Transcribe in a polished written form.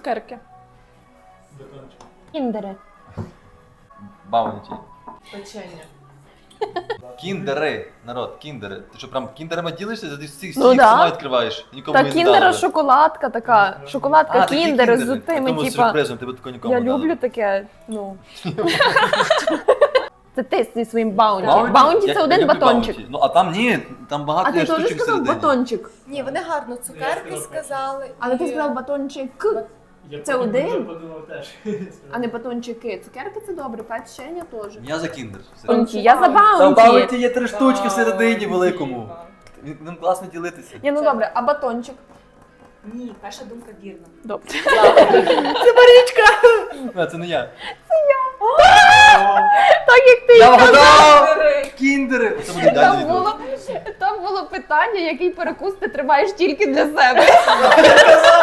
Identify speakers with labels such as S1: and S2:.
S1: цукерки.
S2: Кіндери.
S3: Баунті.
S4: Печення.
S3: Кіндери, народ, кіндери. Ти що, прям кіндерами ділишся? Ти всіх
S2: Ну да.
S3: сама відкриваєш? Нікому
S2: Та
S3: не
S2: кіндера
S3: дали.
S2: шоколадка така. Шоколадка
S3: такі
S2: кіндери з
S3: кіндери.
S2: тими,
S3: Я думаю, з
S2: типа.
S3: сюрпризом, тебе такого нікому
S2: Я
S3: не дали.
S2: люблю таке, ну. Це ти зі своїм баунті.
S3: Баунті?
S2: Баунті
S3: Я
S2: це один
S3: люблю
S2: батончик.
S3: Баунті. Ну, а там ні, там багато
S2: А ти
S3: є
S2: теж
S3: штучок
S2: сказав
S3: всередині.
S2: батончик?
S4: Ні, вони гарно цукерки сказали.
S2: Але ти
S4: і-
S2: сказав батончик.
S5: Я
S2: Це
S5: потім
S2: один?
S5: подумав теж.
S2: А не батончики. Цукерки це добре, печення теж.
S3: Я за кіндер.
S2: Баунті. Я за
S3: Там
S2: баунті.
S3: Баунті є 3 штучки всередині великому. Ним класно ділитися.
S2: Ні, ну добре, а батончик?
S4: Ні, перша думка вірна.
S2: Добре.
S3: А, це не я.
S2: Так як ти
S3: Я вгадав! Кіндери! Це буде ідеальне відео.
S2: там було питання, який перекус ти тримаєш тільки для себе.